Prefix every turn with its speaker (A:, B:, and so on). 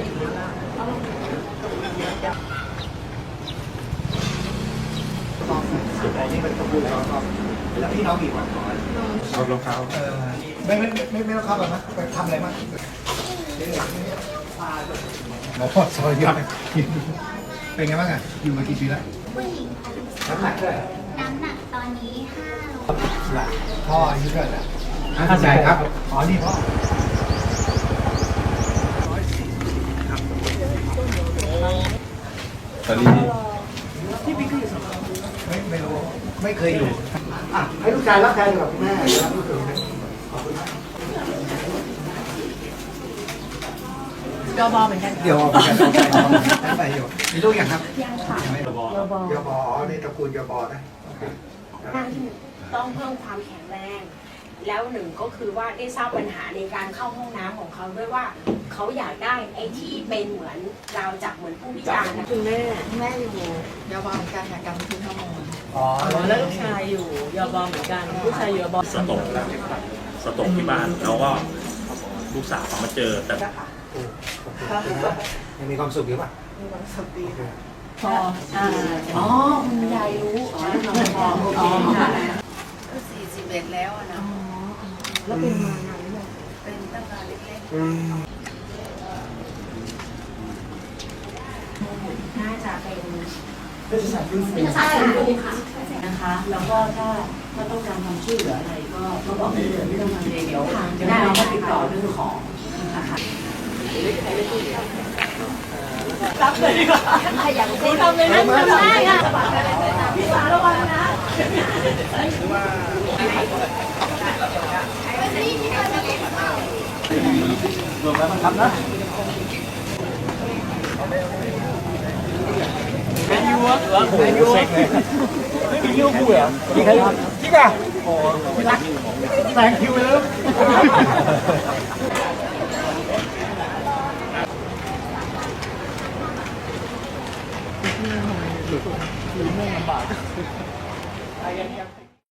A: สุดท้ายนี่เป็นขบวนแล้วก็แล้วพี่น้องกี่วันก่อนเอารองเท้าไม่ต้องเข้าแบบนะไปทำอะไรบ้างหมอพ่อซอยเยอะเป็นไงบ้างอ่ะอยู่มากี่ปีแล้ว
B: ผู้หญิงค่ะ
A: น้ำหนักเท่าไหร่
B: น้ำหนักตอนนี้5 โล
A: พ่ออายุเท่าไหร่เข้าใจครับอ๋อนี่พ่อ
C: ตอนนี้
A: ไม่รู้ไม่เคยอยู่ให้ลูกชายรับแทนกับแม่รับลูกเขย
D: ยบเหมือนกัน
A: เดี๋ยวเหมือนกันไปอยู่มีลูกอย่างครับ
D: ยังค่ะ
A: ยบในตระกูลยบนะ
D: ต้องเพิ่มความแข็งแรง แล้วหนึ่งก็คือว่าได้ทราบปัญหาในการเข้าห้องน้ำของเขาด้วยว่าเขาอยากได้ไอ้ที่เป็นเหมือนราวจับเหมือนผู้พิการนะคุณแม่อยู่ยบเหมือนกันค่ะการบันทึกข้อมูลแล้วลูกชายอยู่ยบเหมือนกันลูกชายอยู่ยบ
E: สตกที่บ้านแล้วก็ลูกสาวมาเจอแต่
A: ยังมีความสุขอยู่ป่ะ
D: มีความสุขดีพออ๋อคุณยายรู้อ๋อพอโอเคค่ะ
F: 41แล้วนะ
D: แล้วเป็นมานานหรือยัง
F: เป็นตั้งแต่เล็ก
D: ๆน่าจะเป็น
A: เป็นสายฟื้นฟู
D: ใช่ค่ะนะคะ แล้วก็ถ้าต้องการความช่วยเหลืออะไรก็บอกได้เลยไม่ต้องมาเลยเดี๋ยวได้เราก็ติดต่อเรื่องของนะคะรับเลยดีกว่าอย่างคุณทำเลยนะทำได้ค่ะพี่สาวระวังนะ
A: รวมแล้วมันทำนะแมนยูอ่ะแมนยูไม่มีลิเวอร์พูลเหรอจริงอ่ะโอ้รักแซงคิวไปแล้วหรือไม่ลำบาก